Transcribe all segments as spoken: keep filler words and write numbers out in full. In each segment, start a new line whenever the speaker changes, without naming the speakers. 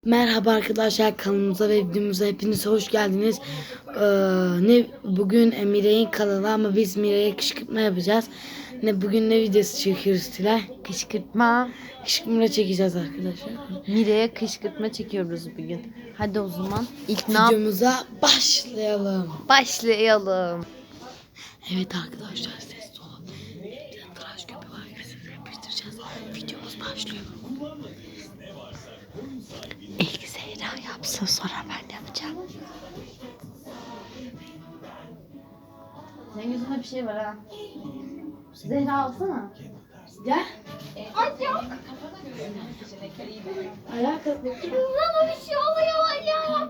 Merhaba arkadaşlar, kanalımıza ve videomuza hepiniz hoş geldiniz. Ee, ne bugün Mire'nin kanalı ama biz Mire'ye kışkırtma yapacağız. Ne bugün ne videosu çekiyoruz Tülay?
Kışkırtma.
Kışkırtma çekeceğiz arkadaşlar.
Mire'ye kışkırtma çekiyoruz bugün. Hadi o zaman ilk ne yap?
Videomuza başlayalım.
Başlayalım.
Evet arkadaşlar, ses olun. Bir tıraş köpüğü var, yüzümüzü yapıştıracağız. Videomuz başlıyor.
İlk Zehra yapsın, sonra ben yapacağım. Senin yüzünde bir şey var ha. Zehra alsana.
Gel.
Ay yok.
Ayağa kalk.
Bana bir şey oluyor ya.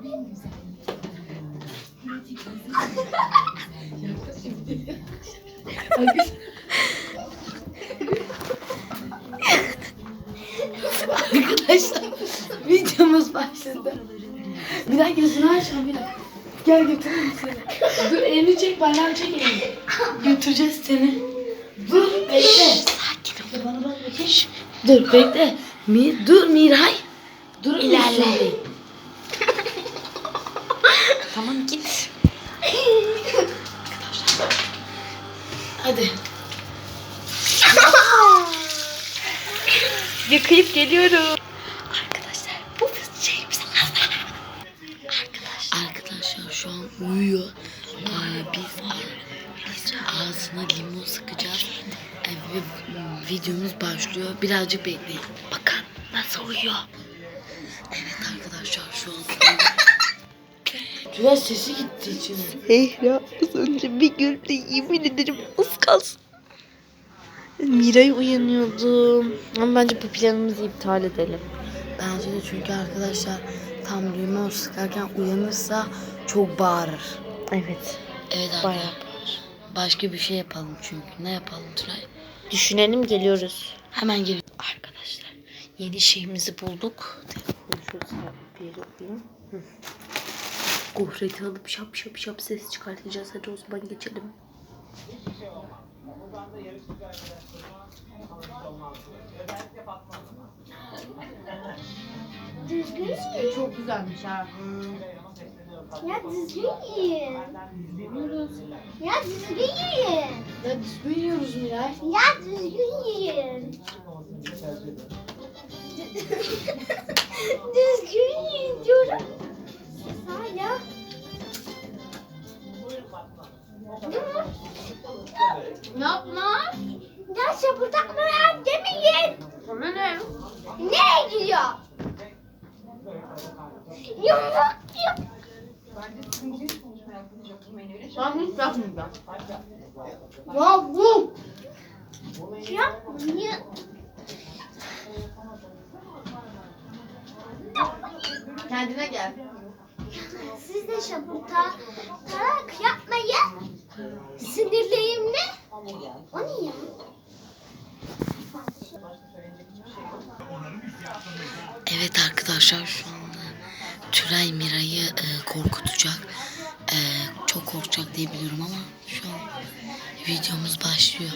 Arkadaşlar, videomuz başladı. Bir dakika, gözünü açma bir dakika. Gel götüreyim seni. Dur, elini çek, benden çek elini. Götüreceğiz seni. Dur, bekle. Sakin ol. Bana bak bakayım. Dur, bekle. Mi, dur Miray. Dur, ilerle.
Tamam git.
Hadi.
Yıkayıp geliyorum.
Arkadaşlar, bu kız şeyimiz. Arkadaşlar. Arkadaşlar şu an uyuyor. Aa, biz, biz ağzına limon sıkacağız. Ee, ve videomuz başlıyor. Birazcık bekleyin. Bakın nasıl uyuyor. Evet arkadaşlar, şu an Tülay sesi gitti içine.
Zehra az önce bir güldü, yemin ederim az kalsın. Miray uyanıyordum. Ama bence bu planımızı iptal edelim.
Bence de, çünkü arkadaşlar tam limon sıkarken uyanırsa çok bağırır.
Evet.
Evet
Bayağı
arkadaşlar. Başka bir şey yapalım çünkü. Ne yapalım Tülay?
Düşünelim, geliyoruz.
Hemen geliyorum.
Arkadaşlar yeni şeyimizi bulduk. Telefonu şöyle bir yere koyayım. Gofreti alıp şap şap şap ses çıkartacağız. Hadi o zaman geçelim.
Düzgün yiyin.
Çok güzelmiş ha.
Ya düzgün yiyin. Ya düzgün yiyin.
Ya biz büyüyoruz Miray.
Ya düzgün yiyin. Düzgün yiyin diyorum. Hala.
Ne yapma?
Ya şapırdatma ya, demeyin.
Sana ne?
Nereye gidiyor? Yumruk yum.
Ben hiç yapmayacağım.
Ya bu. Yapmayın.
Kendine gel.
Siz de şapırta tarak yapmayın. Sinirliyim ne? O ne ya?
Evet arkadaşlar, şu anda Tülay Miray'ı e, korkutacak. E, çok korkacak diye biliyorum ama şu an videomuz başlıyor.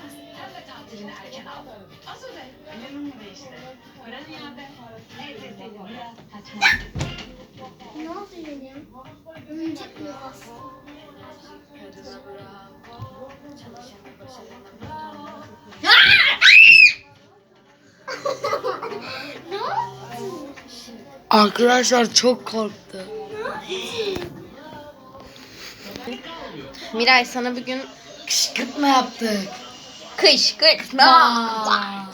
Ne oldu benim? Oyuncak mı var? Ne oldu?
Arkadaşlar çok korktu.
Miray, sana bugün
Kışkırtma yaptık.
kışkırtma.
Aa.